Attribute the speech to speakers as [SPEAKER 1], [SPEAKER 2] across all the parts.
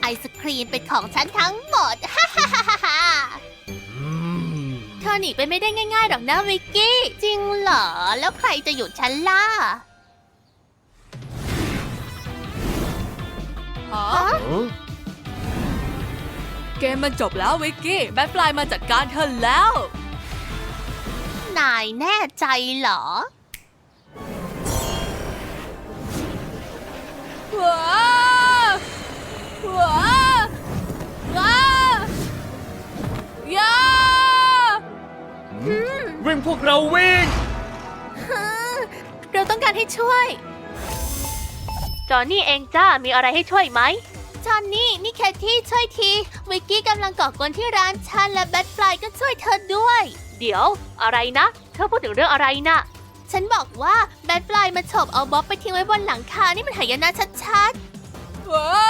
[SPEAKER 1] ศครีมเป็นของฉันทั้งหมด ฮ่าฮ่าฮ่าฮ่าเธอหนีไปไม่ได้ง่ายๆหรอกนะวิกกี้ จริงเหรอ แล้วใครจะหยุดฉันล่ะ
[SPEAKER 2] ฮะเกมมันจบแล้ววิกกี้แบทฟลายมาจัดการเธอแล้ว
[SPEAKER 1] นายแน่ใจเหรอ
[SPEAKER 2] ว้าวว้าวว้าวย่า
[SPEAKER 3] วิ่งพวกเราวิ่ง
[SPEAKER 1] เราต้องการให้ช่วย
[SPEAKER 4] จอห์นนี่เองจ้า มีอะไรให้ช่วยไหม
[SPEAKER 1] จอนนี่นี่แคทที่ช่วยที วิกกี้กำลังก่อกวนที่ร้านฉันและแบทฟลายก็ช่วยเธอด้วย
[SPEAKER 4] เดี๋ยว อะไรนะ เธอพูดถึงเรื่องอะไรนะ
[SPEAKER 1] ฉันบอกว่าแบทฟลายมาฉกเอาบ๊อบไปทิ้งไว้บนหลังคา นี่มันหายนะชัด
[SPEAKER 2] ว้าว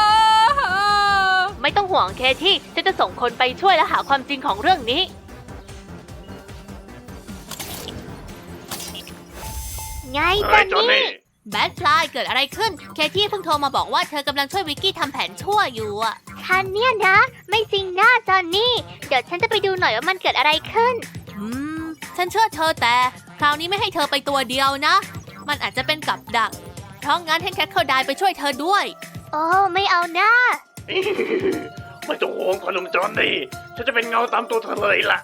[SPEAKER 4] ไม่ต้องห่วงเคที่ฉันจะส่งคนไปช่วยและหาความจริงของเรื่องนี้
[SPEAKER 1] ๆ ไงจอนนี่แบทฟลายเกิดอะไรขึ้น แคทที่เพิ่งโทรมาบอกว่าเธอกำลังช่วยวิกกี้ทำแผนชั่วอยู่อะ
[SPEAKER 4] คันเนี่ยนะ ไม่จริงนะจอห์นนี่ เดี๋ยวฉันจะไปดูหน่อยว่ามันเกิดอะไรขึ้น
[SPEAKER 1] ฉันเชื่อเธอแต่คราวนี้ไม่ให้เธอไปตัวเดียวนะ มันอาจจะเป็นกับดัก เพราะงั้นให้แคทเข้าได้ไปช่วยเธอด้วย
[SPEAKER 4] โอ้ไม่เอานะ
[SPEAKER 3] ไม่ต้องห่วงขนมจอนนี่ฉันจะเป็นเงาตามตัวเธอเลยล่ะ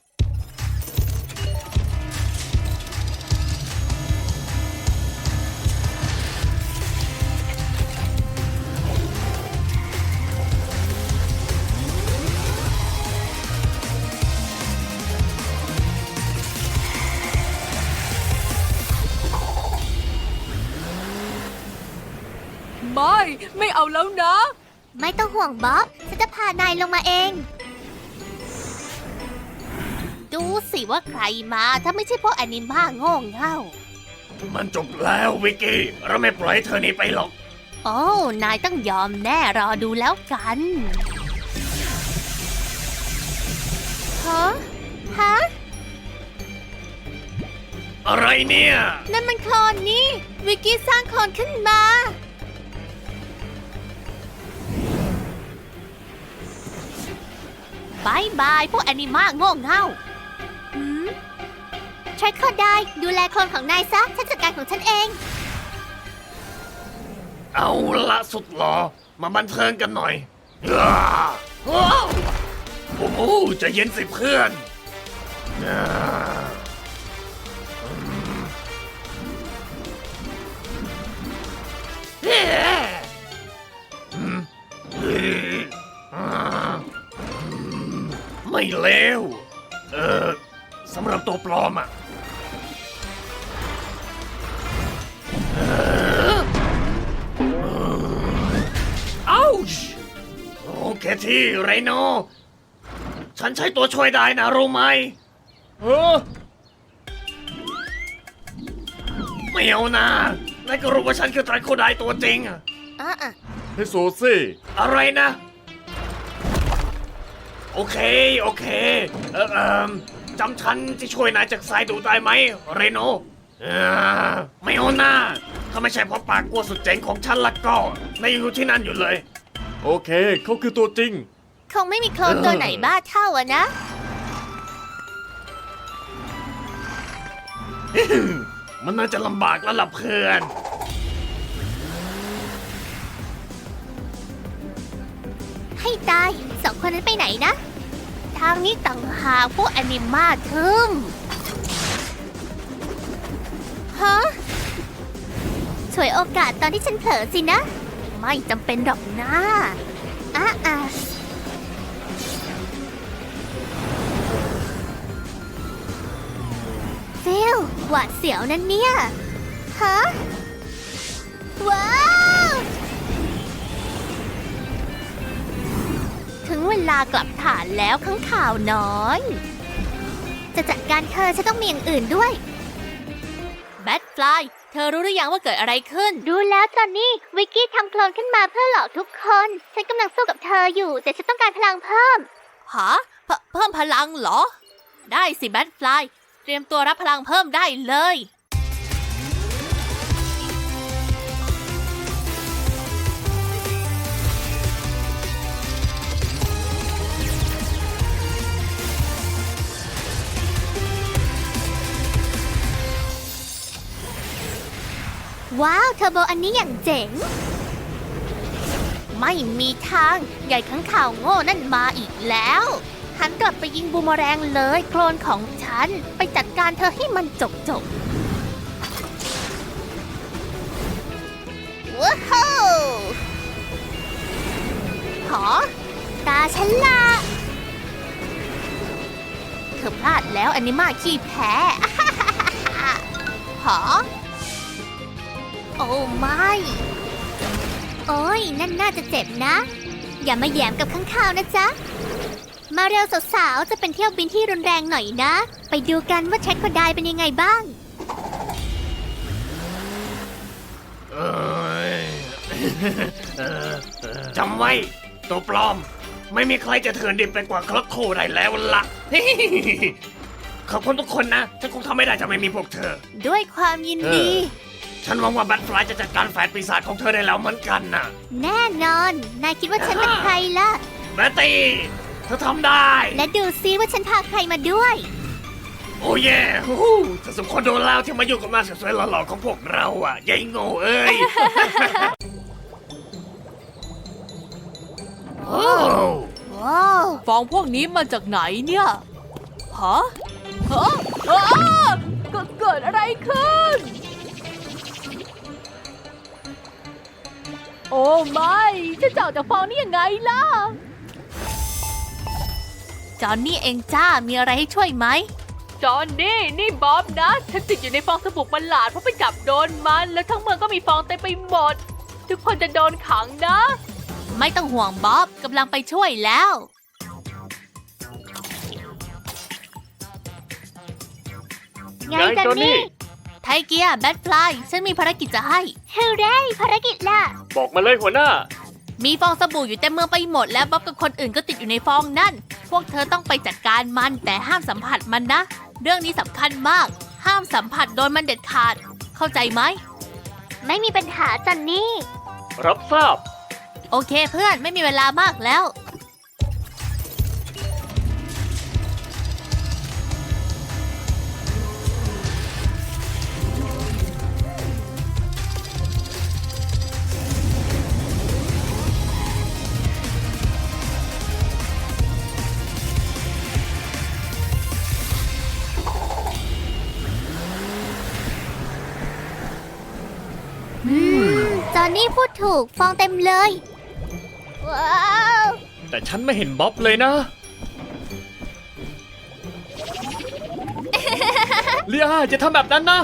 [SPEAKER 2] ไม่เอาแล้วนะ
[SPEAKER 1] ไม่ต้องห่วงบ๊อบ ฉันจะพานายลงมาเอง ดูสิว่าใครมาถ้าไม่ใช่พวกแอนิม่าโง่เง่า
[SPEAKER 3] มันจบแล้ววิกกี้ เราไม่ปล่อยให้เธอหนีไปหรอก
[SPEAKER 1] โอ้ นายต้องยอมแน่รอดูแล้วกัน ฮะ ฮะ
[SPEAKER 3] อะไรเนี่ย
[SPEAKER 1] นั่นมันโคลนนี่ วิกกี้สร้างโคลนขึ้นมาบายบายพวกแอนิม่าโง่เง่าใช้ข้อได้ดูแลโคลนของนายซะ ฉันจัดการของฉันเอง
[SPEAKER 3] เอาละสุดหรอ มาบันเทิงกันหน่อยอ้าว้าวโอ้โหใจะเย็นสิเพื่อนอ่าเฮ้อืมเฮ้อ่าไม่เลวสำหรับตัวปลอมอ่ะ อ้าวโอเคที่ไรโน ฉันใช้ตัวช่วยได้นะรู้ไหมไม่เอานะนายก็รู้ว่าฉันคือไตรโคไดตัวจริงอะ
[SPEAKER 5] ให้โซซี่
[SPEAKER 3] อะไรนะ โอเค โอเค จำฉันที่ช่วยนายจากสายดูได้ไหมเรโนไม่เอานะถ้าไม่ใช่เพราะปากกลัวสุดเจ๋งของฉันละก็นายยังอยู่ที่นั่นอยู่เลย
[SPEAKER 5] โอเค เขาคือตัวจริง
[SPEAKER 1] คงไม่มีโคลนตัวไหนบ้าเท่าอะนะ
[SPEAKER 3] มันน่าจะลำบากแล้วล่ะเพื่อน
[SPEAKER 1] ให้ตายสองคนนั้นไปไหนนะ ทางนี้ต่างหากพวกแอนิมาทึมฮะฉวยโอกาสตอนที่ฉันเผลอสินะ ไม่จำเป็นหรอกนะฟิลหวาดเสียวนั่นเนี่ย ฮะ ว้าว ถึงเวลากลับฐานแล้วข้างข่าวน้อย จะจัดการเธอฉันต้องมีอย่างอื่นด้วย แบทฟลายเธอรู้หรือยังว่าเกิดอะไรขึ้น
[SPEAKER 4] รู้แล้วจอห์นนี่ วิกกี้ทำโคลนขึ้นมาเพื่อหลอกทุกคน ฉันกำลังสู้กับเธออยู่ แต่ฉันต้องการพลังเพิ่ม
[SPEAKER 1] หาเพิ่มพลังเหรอ ได้สิแบทฟลายเตรียมตัวรับพลังเพิ่มได้เลยว้าว เทอร์โบอันนี้อย่างเจ๋ง ไม่มีทางใหญ่ข้างข่าวโง่นั่นมาอีกแล้ว หันกลับไปยิงบูมเมอแรงเลย โคลนของฉัน ไปจัดการเธอให้มันจบว้าวหอตาฉันละเธอพลาดแล้วอันนี้มาขี้แพ้ หอโอ้ไม่ โอ้ยนั่นน่าจะเจ็บนะ อย่ามาแหยมกับข้างข่าวนะจ๊ะ มาเร็วสาวๆ จะเป็นเที่ยวบินที่รุนแรงหน่อยนะ ไปดูกันว่าแทร็กโคไดเป็นยังไงบ้าง
[SPEAKER 3] เอ้ย จำไว้ตัวปลอม ไม่มีใครจะเถื่อนดิบไปกว่าคลักโคได้แล้วล่ะ ขอบคุณทุกคนนะ ฉันคงทำไม่ได้จะไม่มีพวกเธอ
[SPEAKER 1] ด้วยความยินดี
[SPEAKER 3] ฉันหวังว่าแบทฟลายจะจัดการแฝดปีศาจของเธอได้แล้วเหมือนกันนะ
[SPEAKER 1] แน่นอน นายคิดว่าฉันเป็นใครล่ะ
[SPEAKER 3] แบตตี้เธอทำได้
[SPEAKER 1] และดูซิว่าฉันพาใครมาด้วย
[SPEAKER 3] โอ้เย่ฮู้ฮู้เธอสมควรโดนแล้วที่มาอยู่กับหน้าสวยๆหล่อๆของพวกเราอ่ะยายโง่เอ้ย โอ้
[SPEAKER 1] ว้าว
[SPEAKER 2] ฟองพวกนี้มาจากไหนเนี่ย ฮะอ้าเกิดอะไรขึ้น โอ้ไม่จะเจ้าจากฟองนี่ยังไงล่ะ
[SPEAKER 1] จอนนี่เองจ้า มีอะไรให้ช่วยไหม
[SPEAKER 2] จอห์นนี่บ๊อบนะ ฉันติดอยู่ในฟองสบู่ประหลาดเพราะไปจับโดนมัน แล้วทั้งเมืองก็มีฟองเต็มไปหมด ทุกคนจะโดนขังนะ
[SPEAKER 1] ไม่ต้องห่วงบ๊อบกำลังไปช่วยแล้ว
[SPEAKER 4] ไงจอนนี่
[SPEAKER 1] ไทเกียร์แบทฟลายฉันมีภารกิจจะให้
[SPEAKER 4] เฮเร่ภารกิจล่ะ
[SPEAKER 5] บอกมาเลยหัวหน้า
[SPEAKER 1] มีฟองสบู่อยู่เต็มเมืองไปหมดแล้วบ๊อบกับคนอื่นก็ติดอยู่ในฟองนั่น พวกเธอต้องไปจัดการมันแต่ห้ามสัมผัสมันนะ เรื่องนี้สำคัญมาก ห้ามสัมผัสโดนมันเด็ดขาด เข้าใจไหม
[SPEAKER 4] ไม่มีปัญหาจอนนี่
[SPEAKER 5] รับทราบ
[SPEAKER 1] โอเคเพื่อนไม่มีเวลามากแล้ว
[SPEAKER 4] จอนนี่พูดถูกฟองเต็มเลย ว้าว
[SPEAKER 5] แต่ฉันไม่เห็นบ๊อบเลยนะ เลียจะทำแบบนั้นนะ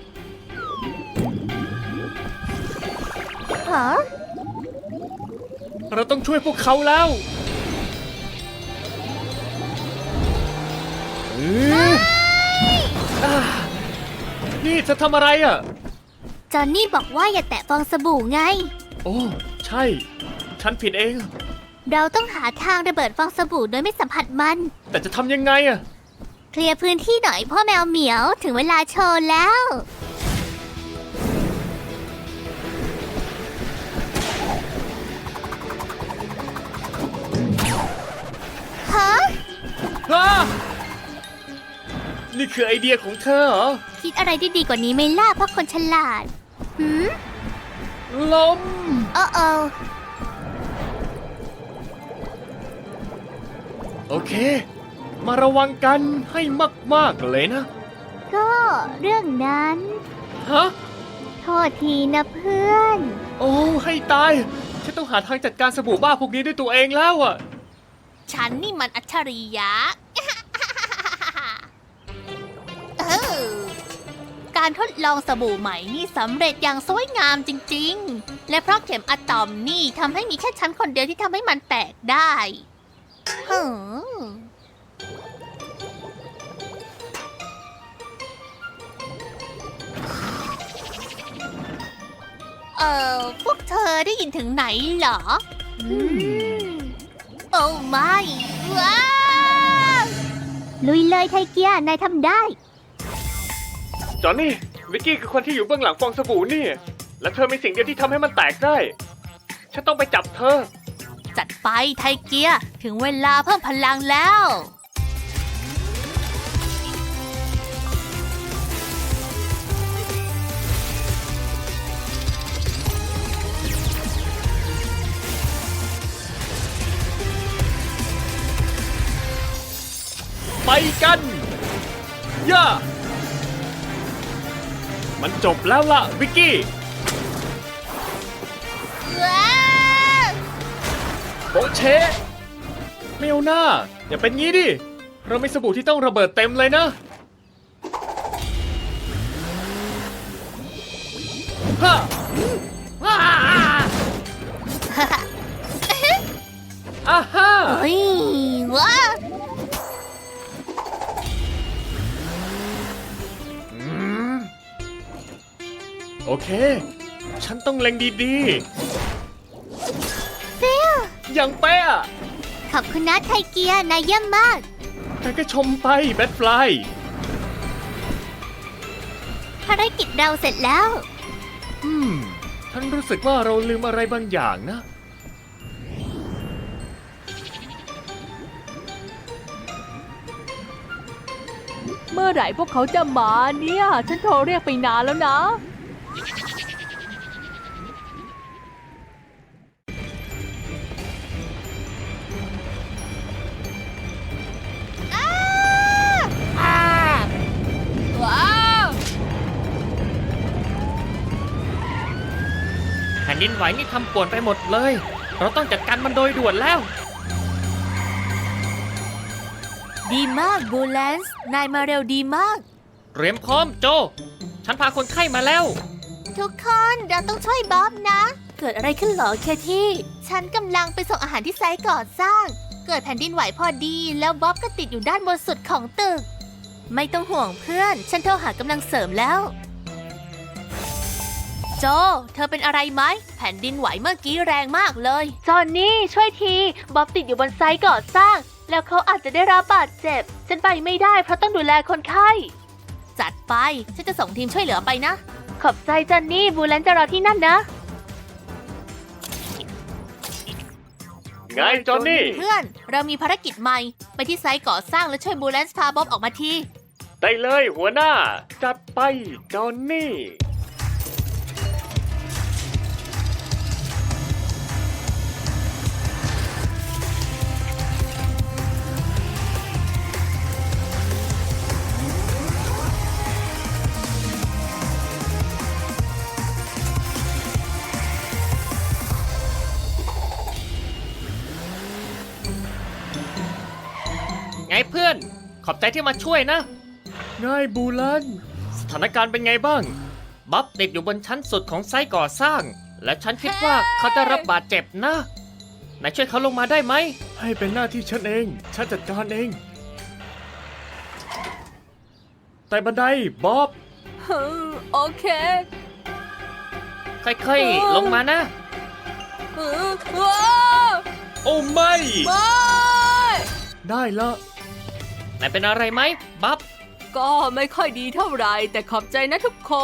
[SPEAKER 4] ฮะ
[SPEAKER 5] เราต้องช่วยพวกเขาแล้วนี่จะทำอะไรอ่ะ
[SPEAKER 4] จอนนี่บอกว่าอย่าแตะฟองสบู่ไง
[SPEAKER 5] โอ้ ใช่ ฉันผิดเอง
[SPEAKER 4] เราต้องหาทางระเบิดฟองสบู่โดยไม่สัมผัสมัน
[SPEAKER 5] แต่จะทำยังไงอ่ะ
[SPEAKER 4] เคลียร์พื้นที่หน่อยพ่อแมวเหมียวถึงเวลาโชว์แล้ว ฮะ
[SPEAKER 5] นี่คือไอเดียของเธอเหรอ
[SPEAKER 4] คิดอะไรได้ดีกว่านี้ไหมล่ะเพราะคนฉลาดหืม
[SPEAKER 5] ลม
[SPEAKER 4] โอ้โอ
[SPEAKER 5] โอเค มาระวังกันให้มากๆเลยนะ
[SPEAKER 4] ก็เรื่องนั้น
[SPEAKER 5] ฮะ
[SPEAKER 4] โทษทีนะเพื่อน
[SPEAKER 5] โอ้ ให้ตาย ฉันต้องหาทางจัดการสบู่บ้าพวกนี้ด้วยตัวเองแล้วอ่ะ
[SPEAKER 1] ฉันนี่มันอัจฉริยะ การทดลองสบู่ใหม่นี่สำเร็จอย่างสวยงามจริงๆ และเพราะเข็มอะตอมนี่ทำให้มีแค่ฉันคนเดียวที่ทำให้มันแตกได้ฮึพวกเธอได้ยินถึงไหนเหรอ โอ้ไม่ว้าว
[SPEAKER 4] ลุยเลยไทเกียนายทำได้
[SPEAKER 5] จอห์นนี่ วิกกี้คือคนที่อยู่เบื้องหลังฟองสบู่นี่ และเธอมีสิ่งเดียวที่ทำให้มันแตกได้ ฉันต้องไปจับเธอ
[SPEAKER 1] จัดไปไทเกียร์ถึงเวลาเพิ่มพลังแล้ว
[SPEAKER 5] ไปกัน ย่า มันจบแล้วล่ะวิกกี้
[SPEAKER 1] ว้าว
[SPEAKER 5] โบเชะไม่เอาหน้า อย่าเป็นงี้ดิ เรามีสบู่ที่ต้องระเบิดเต็มเลยนะฮ่าฮ่าอ่าฮ่า
[SPEAKER 1] เฮ้ยว้าว
[SPEAKER 5] โอเค ฉันต้องเล็งดี
[SPEAKER 1] ฟิล
[SPEAKER 5] ๆ อย่างเป๊ะ
[SPEAKER 1] ขอบคุณนะไทเกียนายเยี่ยมมาก
[SPEAKER 5] แต่ก็ชมไปแบทฟลาย
[SPEAKER 1] ภารกิจเราเสร็จแล้ว
[SPEAKER 5] ฉันรู้สึกว่าเราลืมอะไรบางอย่างนะ
[SPEAKER 2] เมื่อไหร่พวกเขาจะมาเนี่ย ฉันโทรเรียกไปนานแล้วนะ ว้าว
[SPEAKER 5] แผ่นดินไหวนี่ทำป่วนไปหมดเลย เราต้องจัดการมันโดยด่วนแล้ว
[SPEAKER 1] ดีมากบูแลนซ์นายมาเร็วดีมาก
[SPEAKER 5] เตรียมพร้อมโจ ฉันพาคนไข้มาแล้ว
[SPEAKER 1] ทุกคนเราต้องช่วยบ๊อบนะ เกิดอะไรขึ้นเหรอเคที่ ฉันกำลังไปส่งอาหารที่ไซต์ก่อสร้าง เกิดแผ่นดินไหวพอดีแล้วบ๊อบก็ติดอยู่ด้านบนสุดของตึก ไม่ต้องห่วงเพื่อน ฉันโทรหากำลังเสริมแล้ว โจ เธอเป็นอะไรไหม แผ่นดินไหวเมื่อกี้แรงมากเลย
[SPEAKER 4] จอนนี่ช่วยทีบ๊อบติดอยู่บนไซต์ก่อสร้าง แล้วเขาอาจจะได้รับบาดเจ็บ ฉันไปไม่ได้เพราะต้องดูแลคนไข้
[SPEAKER 1] จัดไป ฉันจะส่งทีมช่วยเหลือไปนะ
[SPEAKER 4] ขอบใจจอนนี่บูแลนจะรอที่นั่นนะ
[SPEAKER 5] ไงจอนนี่
[SPEAKER 1] เพื่อน เรามีภารกิจใหม่ ไปที่ไซต์ก่อสร้างและช่วยบูแลนซ์พาบ๊อบออกมาที
[SPEAKER 5] ได้เลยหัวหน้า จัดไปจอนนี่ ไงเพื่อน ขอบใจที่มาช่วยนะง่ายบูลัน สถานการณ์เป็นไงบ้าง บ๊อบติดอยู่บนชั้นสุดของไซต์ก่อสร้าง และฉันคิดว่าเขาจะรับบาดเจ็บนะนายช่วยเขาลงมาได้ไหม ให้เป็นหน้าที่ฉันเอง ฉันจัดการเอง แต่บันไดบ๊อบ
[SPEAKER 2] โอเค
[SPEAKER 5] ค่อยๆ ลงมานะ
[SPEAKER 2] ว้าว
[SPEAKER 5] โอ้ไม่
[SPEAKER 2] ไม่
[SPEAKER 5] ได้ละนายเป็นอะไรไหมบ๊อบ
[SPEAKER 2] ก็ไม่ค่อยดีเท่าไหร่แต่ขอบใจนะทุกคน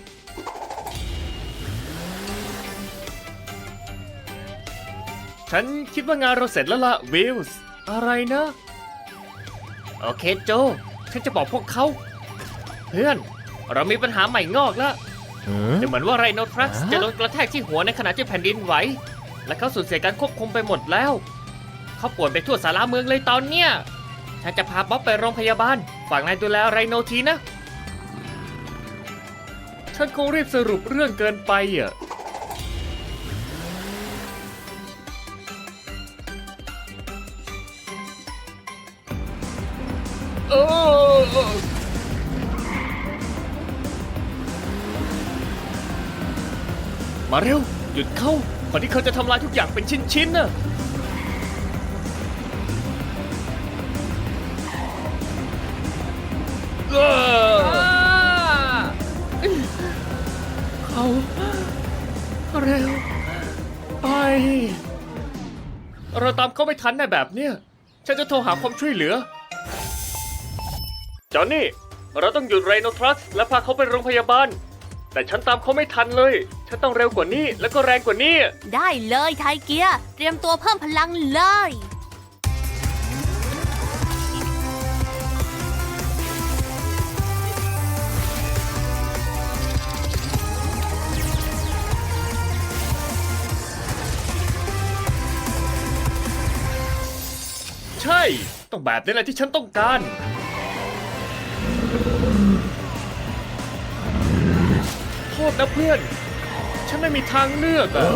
[SPEAKER 5] ฉันคิดว่างานเราเสร็จแล้วล่ะวิลส์อะไรนะ โอเคโจ ฉันจะบอกพวกเขา เพื่อน เรามีปัญหาใหม่งอกแล้วดูเหมือนว่าไรโนทรัสจะโดนกระแทกที่หัวในขณะที่แผ่นดินไหว และเขาสูญเสียการควบคุมไปหมดแล้ว เขาป่วยไปทั่วสาราเมืองเลยตอนเนี้ย ฉันจะพาบ๊อบไปโรงพยาบาล ฝากนายดูแลไรโนทีนะ ฉันคงรีบสรุปเรื่องเกินไปอ่ะ โอ้มาเร็ว หยุดเข้าก่อนที่เขาจะทำลายทุกอย่างเป็นชิ้นๆน่ะเขาเร็ว ไป เราตามเขาไม่ทันในแบบเนี้ย ฉันจะโทรหาความช่วยเหลือ จอห์นนี่ เราต้องหยุดไรโนทรัสและพาเขาไปโรงพยาบาล แต่ฉันตามเขาไม่ทันเลย ฉันต้องเร็วกว่านี้แล้วก็แรงกว่านี้
[SPEAKER 1] ได้เลยไทเกีย เตรียมตัวเพิ่มพลังเลย
[SPEAKER 5] ใช่ต้องแบบนี้แหละที่ฉันต้องการ โทษนะเพื่อน ฉันไม่มีทางเลือกอะ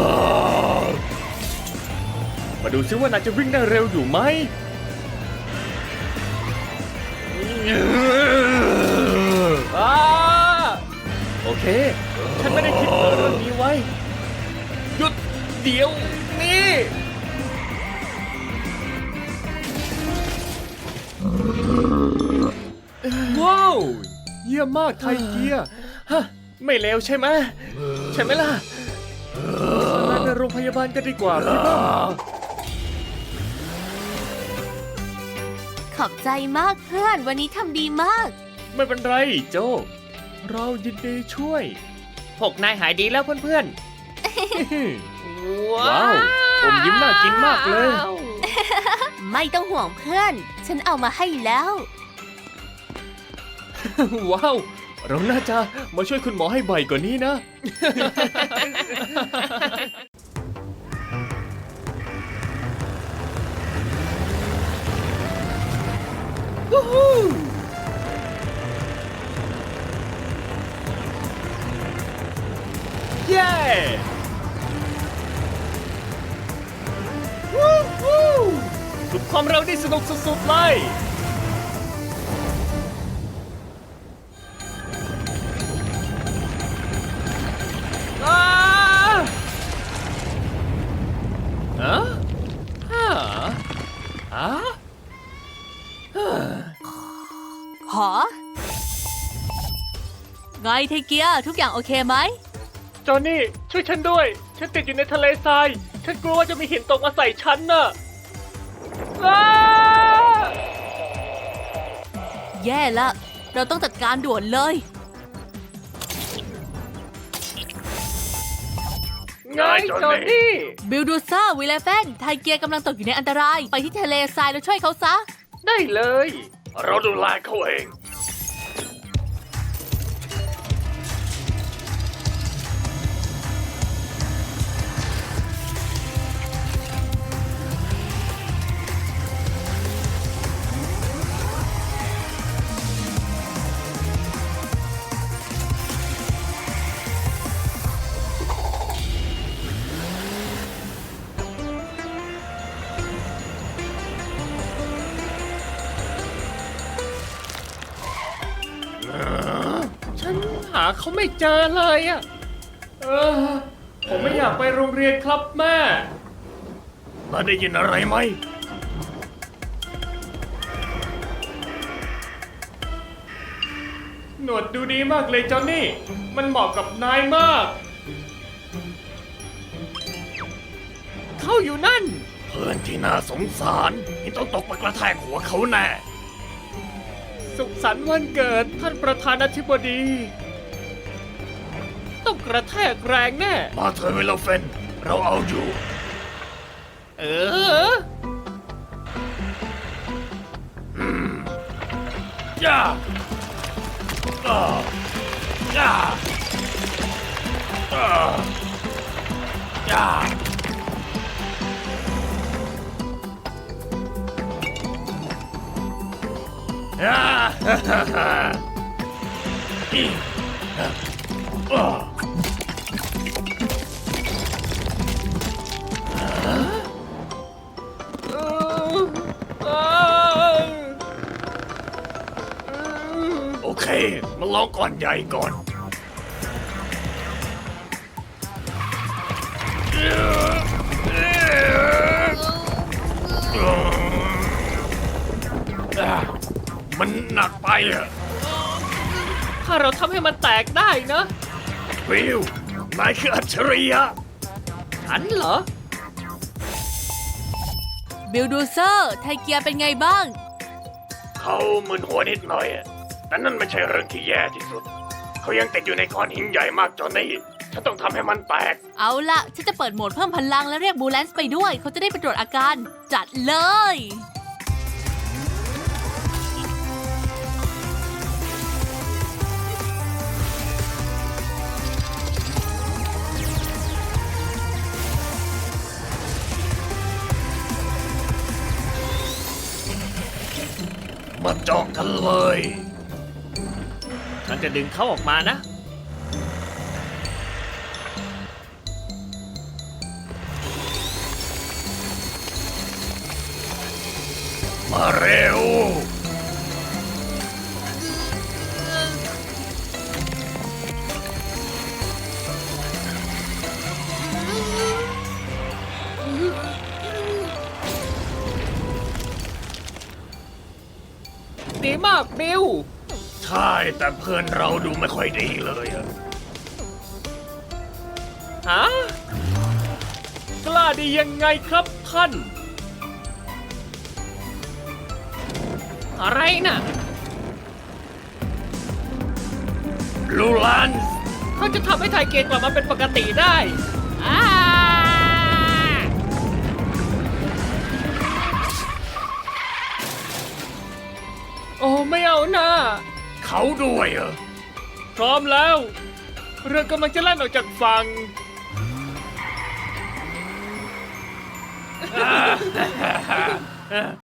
[SPEAKER 5] มาดูซิว่านายจะวิ่งได้เร็วอยู่ไหม โอเค ฉันไม่ได้คิดเรื่องนี้ไว้ หยุดเดี๋ยวนี้ ว้าว เยี่ยมมากไทเกียร์ฮะ ไม่เลวใช่ไหมใช่ไหมล่ะมาในโรงพยาบาลกันดีกว่าพี่บ้า
[SPEAKER 1] ขอบใจมากเพื่อนวันนี้ทำดีมาก
[SPEAKER 5] ไม่เป็นไรโจ เรายินดีช่วย พวกนายหายดีแล้วเพื่อนๆ ว้าวอมยิ้มน่ากินมากเลย
[SPEAKER 1] ไม่ต้องห่วงเพื่อน ฉันเอามาให้แล้ว
[SPEAKER 5] ว้าว เราน่าจะมาช่วยคุณหมอให้บ่อยกว่านี้นะ เย้สุดความเร็วนี่สนุกสุดๆเลยอ้าฮะฮะฮะ
[SPEAKER 1] หอ ไงไทเกียร์ทุกอย่างโอเคไหม
[SPEAKER 5] จอห์นนี่ช่วยฉันด้วย ฉันติดอยู่ในทะเลทราย ฉันกลัวว่าจะมีหินตกมาใส่ฉันน่ะอ้า
[SPEAKER 1] แย่ละ เราต้องจัดการด่วนเลย
[SPEAKER 5] ไงจอห์นนี่
[SPEAKER 1] บิลดูซ่าวิลเลฟนไทเกียร์กำลังตกอยู่ในอันตราย ไปที่ทะเลทรายแล้วช่วยเขาซะ
[SPEAKER 5] ได้เลย
[SPEAKER 3] เราดูแลเขาเอง
[SPEAKER 5] ฉันหาเขาไม่เจอเลยอ่ะ ผมไม่อยากไปโรงเรียนครับแม่
[SPEAKER 3] มาได้ยินอะไรไหม
[SPEAKER 5] หนวดดูดีมากเลยจอห์นนี่ มันเหมาะกับนายมาก เขาอยู่นั่น
[SPEAKER 3] เพื่อนที่น่าสงสารที่ต้องตกมากระแทกหัวเขาแน่
[SPEAKER 5] สุขสันต์วันเกิดท่านประธานาธิบดี ต้องกระแทกแรงแน่
[SPEAKER 3] มาเธอะเวลเฟน เราเอาอยู่
[SPEAKER 5] เออ
[SPEAKER 3] ย่าอ่าย่าอ่าย่าย่าฮ่าฮ่าฮ่าอีอ่าอ่าโอเค มาลองก่อนใหญ่ก่อน มันหนักไปอะ
[SPEAKER 5] ถ้าเราทำให้มันแตกได้นะ
[SPEAKER 3] วิว นายคืออัจฉริยะ
[SPEAKER 5] ฉันเหรอ
[SPEAKER 1] บิลดูเซอร์ไทเกียร์เป็นไงบ้าง
[SPEAKER 3] เขามึนหัวนิดหน่อยอะแต่นั่นไม่ใช่เรื่องที่แย่ที่สุด เขายังติดอยู่ในก้อนหินใหญ่มากจนนี่ฉันต้องทำให้มันแตก
[SPEAKER 1] เอาละฉันจะเปิดโหมดเพิ่มพลังและเรียกบูแลนซ์ไปด้วย เขาจะได้ไปตรวจอาการ จัดเลย
[SPEAKER 3] มาเจาะกันเลย
[SPEAKER 5] ฉันจะดึงเขาออกมานะ
[SPEAKER 3] มาเร็ว
[SPEAKER 5] ดีมากบิล
[SPEAKER 3] ใช่แต่เพื่อนเราดูไม่ค่อยดีเลยอะ
[SPEAKER 5] ฮะ กล้าดียังไงครับท่าน อะไรน่ะ
[SPEAKER 3] ลูลัน
[SPEAKER 5] เขาจะทำให้ไทเกตกลับมาเป็นปกติได้อ้าโอ้ไม่เอานะ
[SPEAKER 3] เขาด้วยเหรอ
[SPEAKER 5] พร้อมแล้ว เรือกำลังจะแล่นออกจากฝั่ง